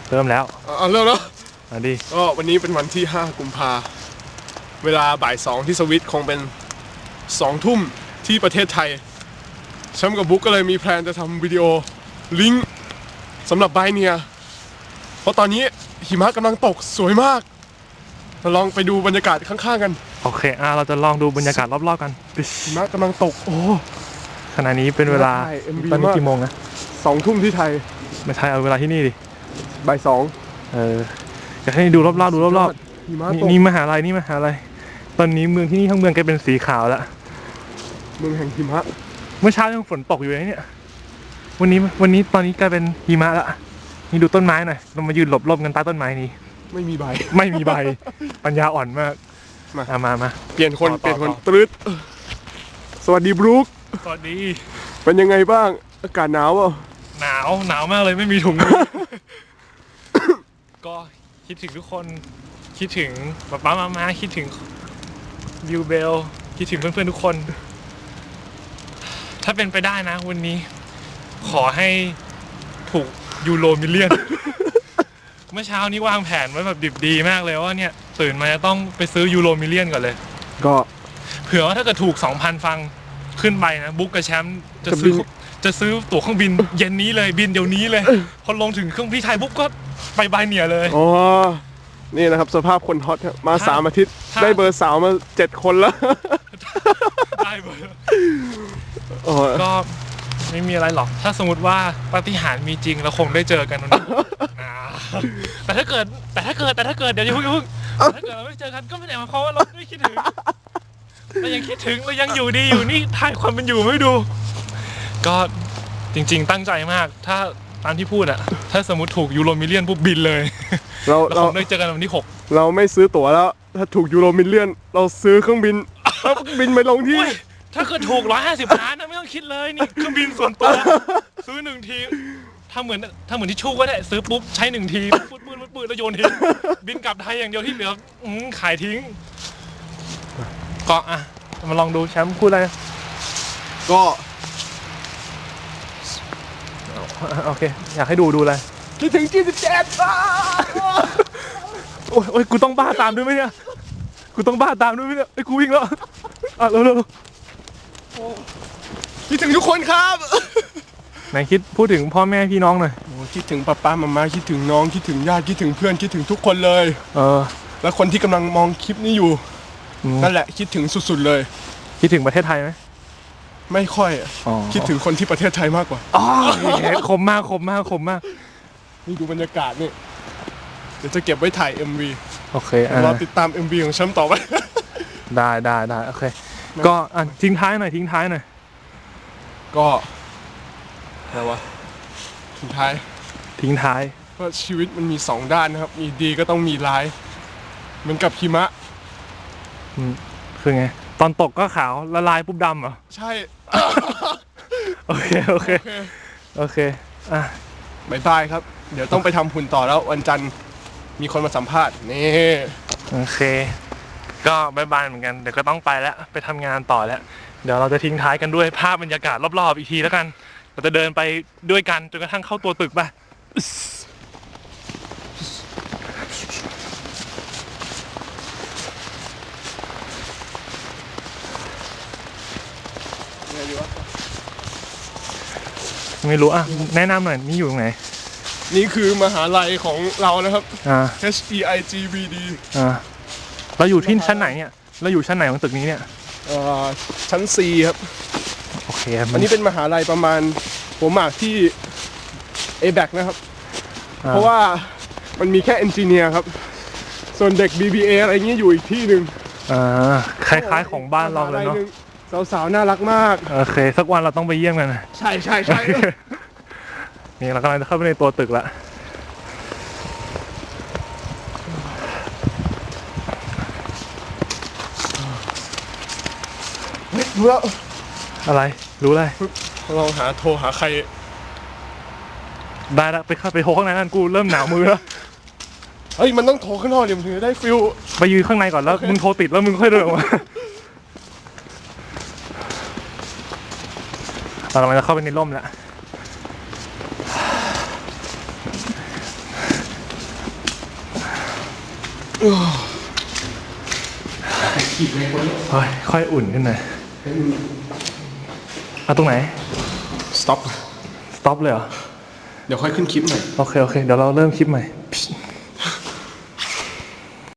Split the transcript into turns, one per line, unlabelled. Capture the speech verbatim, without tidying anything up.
เริ่มแล้ว
อ่าเริ่มแล้ว
มาดิ
ก็วันนี้เป็นวันที่ห้ากุมภาเวลาบ่ายสองที่สวิตคงเป็นสองทุ่มที่ประเทศไทยแชมป์กับบุ๊กก็เลยมีแพลนจะทำวิดีโอลิงก์สำหรับไบเนียเพราะตอนนี้หิมะกำลังตกสวยมากเราลองไปดูบรรยากาศข้างๆกัน
โอเคอ่ะเราจะลองดูบรรยากาศรอบๆกัน
หิมะกำลังตกโอ้
ขณะนี้เป็นเวลาตอนนี้กี่โมงนะ
สองทุ่มที่ไทย
ไม่ใช่เอาเวลาที่นี่ดิ
บ่ายสอง
เอออยากให้ดูรอบๆดูรอบๆนี่มหาลัยนี่มหาลัยตอนนี้เมืองที่นี่ทั้งเมืองกลายเป็นสีขาวแล้ว
เมืองแห่งหิมะ
เมื่อเช้ายังฝนตกอยู่เลยเนี่ยวันนี้วันนี้ตอนนี้กลายเป็นหิมะแล้วนี่ดูต้นไม้หน่อยเรามายืนหลบร่มกันใต้ต้นไม้นี้
ไม่มีใบ
ไม่มีใบปัญญาอ่อนมาก
มา
มามา
เปลี่ยนคนเปลี่ยนคนตรึดสวัสดีบรู๊ค
สวัสดี
เป็นยังไงบ้างอากาศหนาวอ่ะ
หนาวหนาวมากเลยไม่มีถุงมือ ก็คิดถึงทุกคนคิดถึงป๊าป๊ามาม่าคิดถึงบิวเบลคิดถึงเพื่อนๆทุกคนถ้าเป็นไปได้นะวันนี้ขอให้ถูกยูโรมิลเลียน เมื่อเช้านี้วางแผนไว้แบบดิบดีมากเลยว่าเนี่ยตื่นมาจะต้องไปซื้อยูโรมิลเลียนก่อนเลย
ก็
เผื่อว่าถ้าเกิดถูก สองพัน ฟังขึ้นไปนะบุ๊กกับแชมป์จะซื้อจะซื้อตั๋วเครื่องบินเย็นนี้เลยบินเดี๋ยวนี้เลยพอลงถึงเครื่องที่ไทยบุ๊กก็ไปบายเนียเลย
อ๋อนี่นะครับสภาพคนฮอตมาสามอาทิตย์ได้เบอร์สาวมาเจ็ดคนแล้ว
ได้เบอร์ก็ไม่มีอะไรหรอกถ้าสมมติว่าปาฏิหาริย์มีจริงเราคงได้เจอกันวันนี้แต่ถ้าเกิดแต่ถ้าเกิดแต่ถ้าเกิดเดี๋ยวอย่าเพิ่งอย่าเพิ่งถ้าเกิดเราไม่เจอกันก็ไม่ได้หมายความว่าเราไม่คิดถึงเรายังคิดถึงเรายังอยู่ดีอยู่นี่ถ่ายความเป็นอยู่ไม่ดูก็จริงๆตั้งใจมากถ้าตามที่พูดอะถ้าสมมติถูกยูโรมิลเลียนปุ๊บบินเลยเราเราได้เจอกันวันที่หก
เราไม่ซื้อตั๋วแล้วถ้าถูกยูโรมิลเลียนเราซื้อเครื่องบินบินไปลงที่
ถ้าเกิดถูกร้อยห้าสิบล้านนะไม่ต้องคิดเลยนี่เครื่องบินส่วนตัวซื้อหนึ่งทีถ้าเหมือนถ้าเหมือนที่ชู่ก็ได้ซื้อปุ๊บใช้หนึ่งทีปืนปืนปืนแล้วโยนทิ้งบินกลับไทยอย่างเดียวที่เหลือขายทิ้งก็อ่ะมาลองดูแชมป์พูดอะไร
ก็
โอเคอยากให้ดูดูอะไร
คิดถึงจีสิบเจ็ด
โอ้ยโอ้ยกูต้องบ้าตามด้วยไหมเนี่ยกูต้องบ้าตามด้วยไหมเนี่ยไอ้กูวิ่งแล้วอ่ะเร็วเร็ว
คิดถึงทุกคนครับ
ไหนคิดพูดถึงพ่อแม่พี่น้องหน่อย
โอ้คิดถึงป้าป้ามาม่าคิดถึงน้องคิดถึงญาติคิดถึงเพื่อนคิดถึงทุกคนเลย
เออ
แล้วคนที่กำลังมองคลิปนี้อยู่นั่นแหละคิดถึงสุดๆเลย
คิดถึงประเทศไทยไหม
ไม่ค่อยคิดถึงคนที่ประเทศไทยมากกว่า
อ๋อคมมากคมมากคมมาก
นี่ดูบรรยากาศนี่เดี๋ยวจะเก็บไว้ถ่าย เอ็ม วี
โอเค
รอติดตาม เอ็ม วี ของแชมป์ต่อไป
ได้ได้ได้โอเคก็อ่ะทิ้งท้ายหน่อยทิ้งท้ายหน่อย
ก็อะไรวะทิ้งท้าย
ทิ้งท้าย
เพราะชีวิตมันมีสองด้านนะครับมีดีก็ต้องมีร้ายเหมือนกับหิมะ
อืมคือไงตอนตกก็ขาวละลายปุ๊บดำเหรอ
ใช่
โอเคโอเคโอเคอ่ะ
บายบายครับเดี๋ยวต้องไปทำหุ่นต่อแล้ววันจันทร์มีคนมาสัมภาษณ์นี่
โอเคก็บายบายเหมือนกันเดี๋ยวก็ต้องไปแล้วไปทำงานต่อแล้วเดี๋ยวเราจะทิ้งท้ายกันด้วยภาพบรรยากาศรอบๆอีกทีแล้วกันเราจะเดินไปด้วยกันจนกระทั่งเข้าตัวตึกป่ะไม่รู้อ่ะแนะนำหน่อยนี่อยู่ตรงไหน
นี่คือมหาลัยของเรานะครับ H E I G V D
อ่าเราอยู่ที่ชั้นไหนเนี่ยเราอยู่ชั้นไหนของตึกนี้เนี่ย
ชั้น C ครับ
โอเค
อันนี้เป็นมหาลัยประมาณหัวหมากที่ เอ แบค นะครับเพราะว่ามันมีแค่เอนจิเนียร์ครับส่วนเด็ก บี บี เอ อะไรเงี้ยอยู่อีกที่หนึ่ง
อ่าคล้ายๆของบ้านเราเลยเนาะ
สาวๆน่ารักมาก
โอเคสักวันเราต้องไปเยี่ยมกัน
ใช่ใช่ใช่
นี่เรากำลังจะเข้าไปในตัวตึกละ
รู้แล้ว
อะไรรู้อะไร
ลองหาโทรหาใคร
ได้แล้วไปเข้าไปโทรข้างในนั่นกูเริ่มหนาวมือแล้ว
เฮ้ยมันต้องโทรข้างนอกเดี๋ยวถึงจะได้ฟิล
ไปยืนข้างในก่อนแล้วมึงโทรติดแล้วมึงค่อยเดินออกมาเรากำลังจะเข้าไปในร่มแล้วเฮ้ยค่อยอุ่นขึ้นหน่อยเอาตรงไหน
stop
stop เลยเหรอ
เดี๋ยวค่อยขึ้นคลิปหน่อย
โอเคโอเคเดี๋ยวเราเริ่มคลิปใหม่